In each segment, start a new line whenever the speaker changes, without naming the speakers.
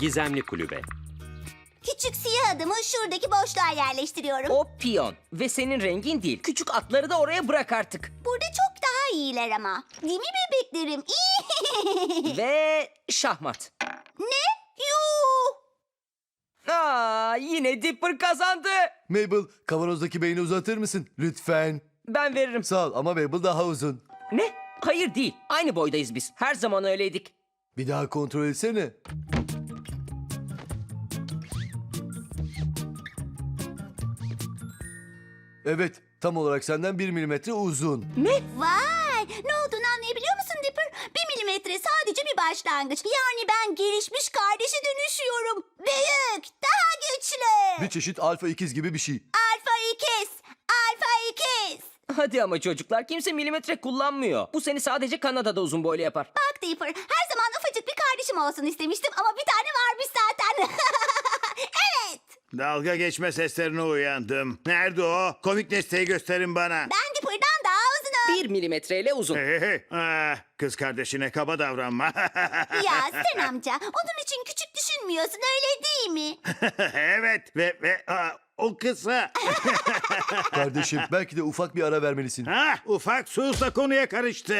Gizemli kulübe.
Küçük siyah adımı şuradaki boşluğa yerleştiriyorum.
O piyon ve senin rengin değil. Küçük atları da oraya bırak artık.
Burada çok daha iyiler ama. Değil mi bebeklerim?
Ve şahmat.
Ne? Yuh!
Yine Dipper kazandı.
Mabel, kavanozdaki beyni uzatır mısın? Lütfen.
Ben veririm.
Sağ ol ama Mabel daha uzun.
Ne? Hayır değil. Aynı boydayız biz. Her zaman öyleydik.
Bir daha kontrol etsene. Evet, tam olarak senden 1 milimetre uzun.
Ne?
Vay! Ne olduğunu anlayabiliyor musun Dipper? 1 milimetre sadece bir başlangıç. Yani ben gelişmiş kardeşe dönüşüyorum. Büyük, daha güçlü.
Bir çeşit alfa ikiz gibi bir şey.
Alfa ikiz, alfa ikiz.
Hadi ama çocuklar, kimse milimetre kullanmıyor. Bu seni sadece Kanada'da uzun boylu yapar.
Bak Dipper, her zaman ufacık bir kardeşim olsun istemiştim ama bir tane varmış zaten. Evet.
Dalga geçme seslerine uyandım. Nerede o? Komik nesneyi gösterin bana.
Ben Dipper'dan daha uzunum.
1 milimetreyle uzun.
Hey, hey, hey. Kız kardeşine kaba davranma.
Ya sen amca, onun için küçük düşünmüyorsun öyle değil mi?
Evet ve o kısa.
Kardeşim, belki de ufak bir ara vermelisin.
Ufak sus da konuya karıştı.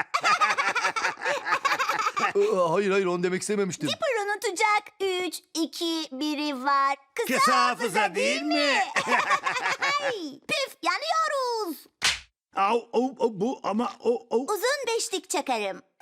Hayır, onu demek istememiştim.
Dipper unutacak. 3, 2, 1'i var.
Kısa hafıza değil mi?
Püf, yanıyoruz.
Bu ama o.
Uzun beşlik çakarım.